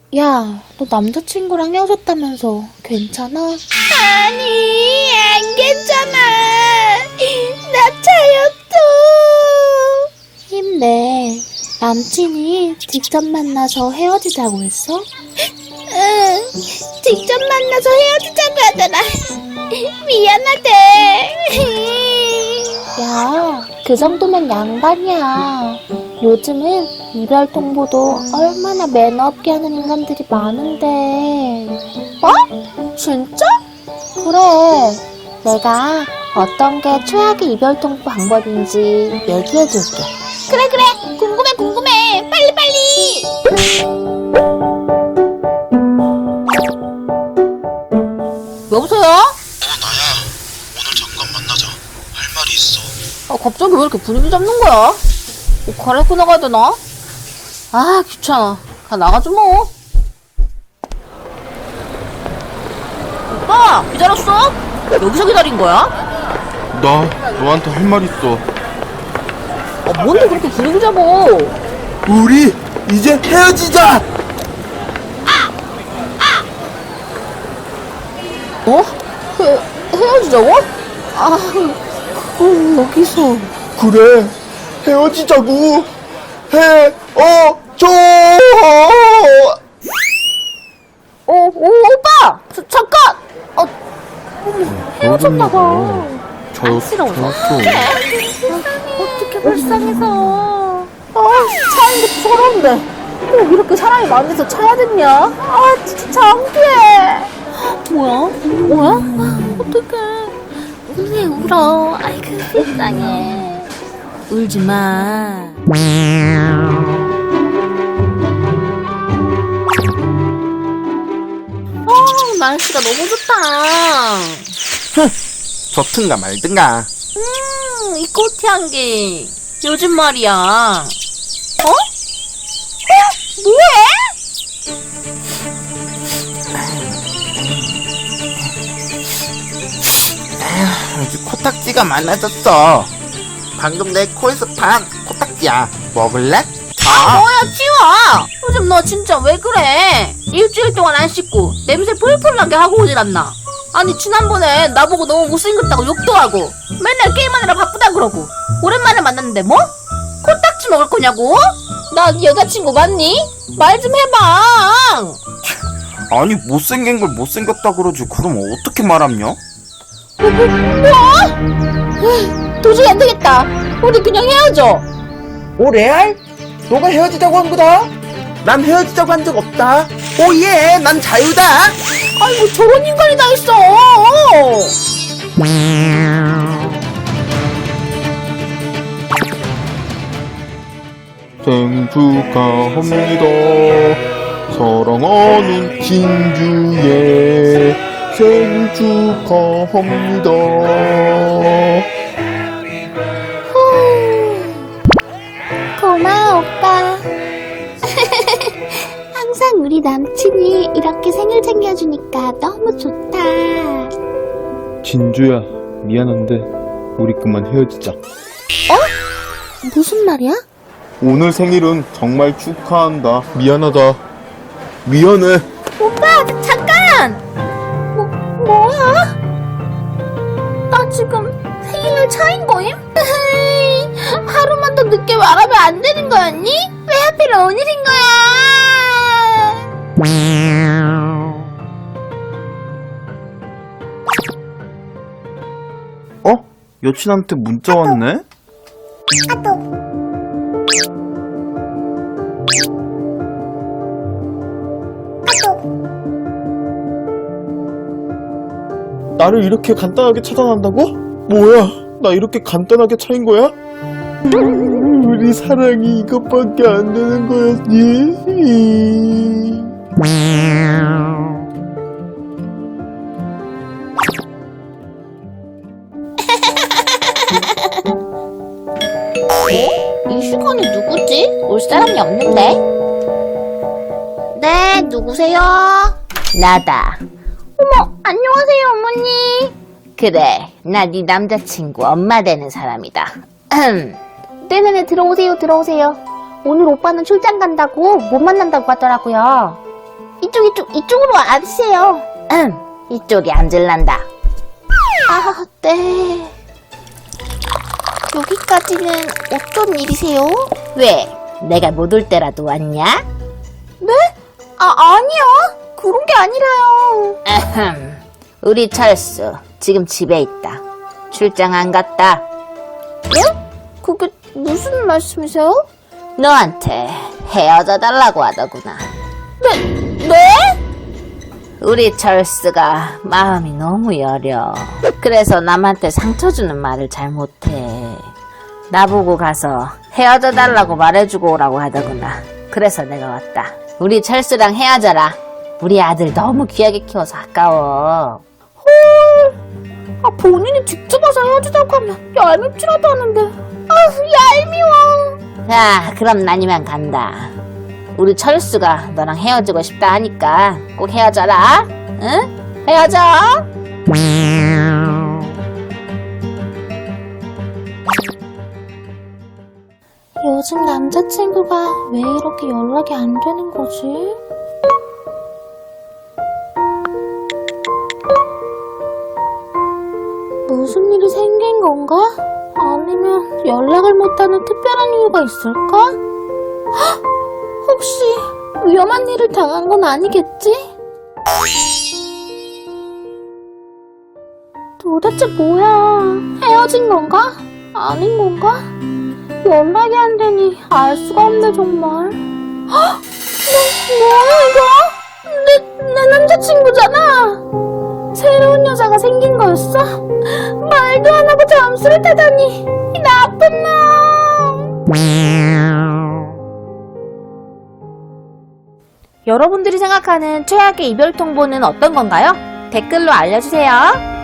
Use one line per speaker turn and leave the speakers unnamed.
야, 너 남자친구랑 헤어졌다면서 괜찮아?
아니, 안 괜찮아. 나 차였어.
힘내. 남친이 직접 만나서 헤어지자고 했어?
응, 직접 만나서 헤어지자고 하더라. 미안하대.
야, 그 정도면 양반이야. 요즘은 이별 통보도 얼마나 매너 없게 하는 인간들이 많은데. 어? 진짜? 그래. 내가 어떤 게 최악의 이별 통보 방법인지 얘기해줄게.
그래, 궁금해. 빨리.
여보세요?
나야. 오늘 잠깐 만나자. 할 말이 있어.
갑자기 왜 이렇게 분위기 잡는 거야? 옷 갈아입고 나가야 되나? 아, 귀찮아. 나가지 뭐. 오빠, 기다렸어? 여기서 기다린 거야?
나 너한테 할 말 있어.
뭔데 그렇게 분위기 잡어?
우리 이제 헤어지자.
어? 헤어지자고? 아, 그걸 여기서.
그래. 헤어지자고. 헤어져.
오빠! 잠깐! 헤어졌나봐.
저였어.
어떻게 불쌍해서. 차인 것도 서러운데. 꼭 이렇게 사람이 많아서 차야 됐냐? 진짜 창피해. 뭐야? 어떡해.
왜 울어? 아이고, 불쌍해.
울지 마. 날씨가 너무 좋다.
좋든가 말든가.
이 꽃향기. 요즘 말이야. 뭐해?
요즘 코딱지가 많아졌어. 방금 내 코에서 판 코딱지야. 먹을래?
뭐야, 치워! 요즘 너 진짜 왜 그래? 일주일 동안 안 씻고 냄새 풀풀 나게 하고 오질 않나? 아니, 지난번에 나보고 너무 못생겼다고 욕도 하고 맨날 게임하느라 바쁘다 그러고 오랜만에 만났는데 뭐? 코딱지 먹을 거냐고? 나 네 여자친구 맞니? 말 좀 해봐.
아니 못생긴 걸 못생겼다 그러지. 그럼 어떻게 말하냐?
도저히 안 되겠다. 우리 그냥 헤어져.
오 레알? 너가 헤어지자고 한 거다? 난 헤어지자고 한 적 없다. 오예, 난 자유다.
아이고, 저런 인간이 다 있어.
생일 축하합니다. 사랑하는 진주의 생일 축하합니다.
고마워, 오빠. 항상 우리 남친이 이렇게 생일 챙겨주니까 너무 좋다.
진주야, 미안한데 우리 그만 헤어지자.
무슨 말이야?
오늘 생일은 정말 축하한다. 미안하다. 미안해.
오빠, 잠깐! 뭐야? 나 지금 생일 차인 거임? 하루만 더 늦게 말하면 안 되는 거였니? 왜 하필 오늘인 거야?
여친한테 문자 왔네? 나를 이렇게 간단하게 차단한다고? 뭐야? 나 이렇게 간단하게 차인 거야? 우리 사랑이 이것밖에 안 되는 거였니?
이 시간에 누구지? 올 사람이 없는데? 네, 누구세요? 나다. 어머, 안녕하세요, 어머니. 그래, 나 네 남자친구 엄마 되는 사람이다. 네네네, 들어오세요. 오늘 오빠는 출장 간다고 못 만난다고 하더라고요.
이쪽으로 앉으세요.
이쪽에 앉을란다.
아, 네. 여기까지는 어쩐 일이세요?
왜? 내가 못 올 때라도 왔냐?
네? 아니요. 그런 게 아니라요.
아흠. 우리 철수 지금 집에 있다. 출장 안 갔다.
그게 무슨 말씀이세요?
너한테 헤어져 달라고 하더구나.
네?
우리 철수가 마음이 너무 여려. 그래서 남한테 상처 주는 말을 잘 못해. 나보고 가서 헤어져 달라고 말해주고 오라고 하더구나. 그래서 내가 왔다. 우리 철수랑 헤어져라. 우리 아들 너무 귀하게 키워서 아까워.
본인이 직접 와서 헤어지자고 하면 얄밉지라도 하는데. 얄미워.
자, 그럼 난 이만 간다. 우리 철수가 너랑 헤어지고 싶다 하니까 꼭 헤어져라. 응? 헤어져.
요즘 남자친구가 왜 이렇게 연락이 안 되는 거지? 무슨 일이 생긴 건가? 아니면 연락을 못하는 특별한 이유가 있을까? 헉! 혹시 위험한 일을 당한 건 아니겠지? 도대체 뭐야? 헤어진 건가? 아닌 건가? 연락이 안 되니 알 수가 없네 정말. 헉! 뭐야 이거? 내 남자친구잖아. 새로운 여자가 생긴 거였어? 말도 안 하고 잠수를 타다니 이 나쁜 놈.
여러분들이 생각하는 최악의 이별 통보는 어떤 건가요? 댓글로 알려주세요.